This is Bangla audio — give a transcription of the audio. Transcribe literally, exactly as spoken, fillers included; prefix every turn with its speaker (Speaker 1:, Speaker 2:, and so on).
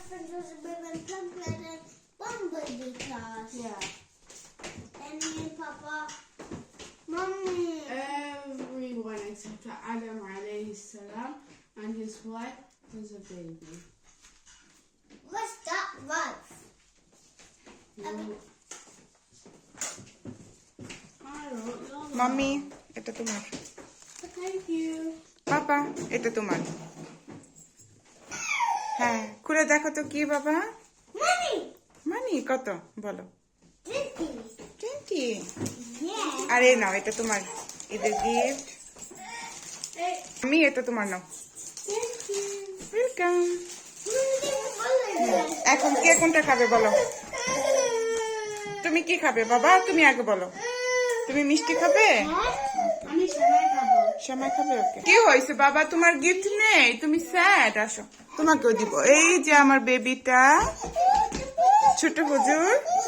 Speaker 1: Princess Baby and Chocolate and Bumblebee class.
Speaker 2: Yeah.
Speaker 1: And me and Papa, Mommy.
Speaker 2: Everyone except for Adam alayhi salam and his wife was a baby.
Speaker 1: What's that wife?
Speaker 2: You- I don't know.
Speaker 3: Mummy এটা তোমার,
Speaker 2: Thank you.
Speaker 3: পাপা এটা তোমার। হ্যাঁ খুলে দেখো তো কি বাবা।
Speaker 1: Money.
Speaker 3: মানি কত বলো?
Speaker 1: Fifty.
Speaker 3: টোয়েন্টি।
Speaker 1: Yeah.
Speaker 3: আরে নাও এটা তোমার ঈদের গিফট।
Speaker 2: Hey.
Speaker 3: আমি এটা তোমার নাও।
Speaker 1: Thank you.
Speaker 3: ওয়েলকাম।
Speaker 1: Mommy,
Speaker 3: এখন কে কোনটা খাবে বলো? তুমি কি খাবে বাবা? তুমি আগে বলো। তুমি মিষ্টি খাবে?
Speaker 2: আমি সেমাই খাবো।
Speaker 3: সময় খাবে ওকে। কি হয়েছে বাবা তোমার গিফট নেই? তুমি স্যাড, আসো তোমাকেও দিব। এই যে আমার বেবিটা ছোট হুজুর।